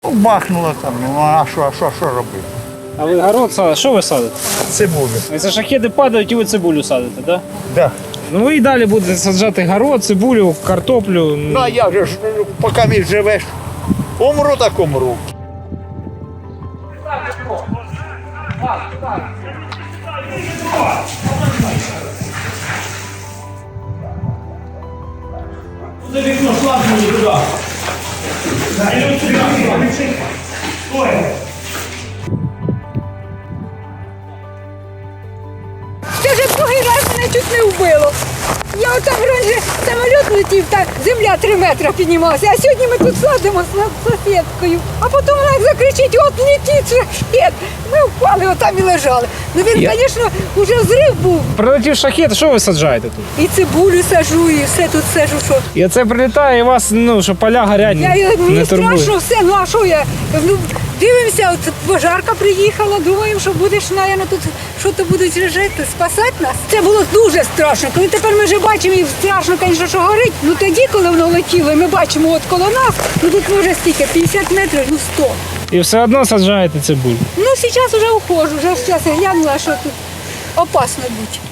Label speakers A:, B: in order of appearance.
A: Бахнуло там, ну а що робити?
B: А ви город садите? Що ви садите?
A: Цибулю.
B: І це шахеди падають і ви цибулю садите, так? Да?
A: Да.
B: Ну ви і далі будете саджати город, цибулю, картоплю.
A: Ну а як же ж, поки мій живеш, умру так умру.
C: За вікно слабнули туди.
D: Це вже другий раз мене чуть не вбило. Я отам раніше самоліт летів, так земля 3 метри піднімалася, а сьогодні ми тут садимо з сусідкою. А потім вона як закричить, от летить шахет. Ми впали, отам і лежали. Ну він, звісно, вже взрив був.
B: Прилетів шахет, що ви саджаєте тут?
D: І цибулю сажу, і все тут сажу, що.
B: І це прилітає, і вас, ну, що поля горять,
D: Мені
B: не турбує.
D: страшно все, ну а що я? Ну, дивимося, от пожарка приїхала, думаємо, що будеш, наверное, тут що-то будуть жити, спасати нас. Це було дуже страшно. Коли тепер ми вже бачимо, і страшно, звісно, що горить, ну тоді, коли воно летіло, і ми бачимо от коло нас, ну тут може стільки, 50 метрів, ну 100.
B: І все одно саджаєте цибулю.
D: Ну, зараз вже ухожу, вже зараз я глянула, що тут опасно бути.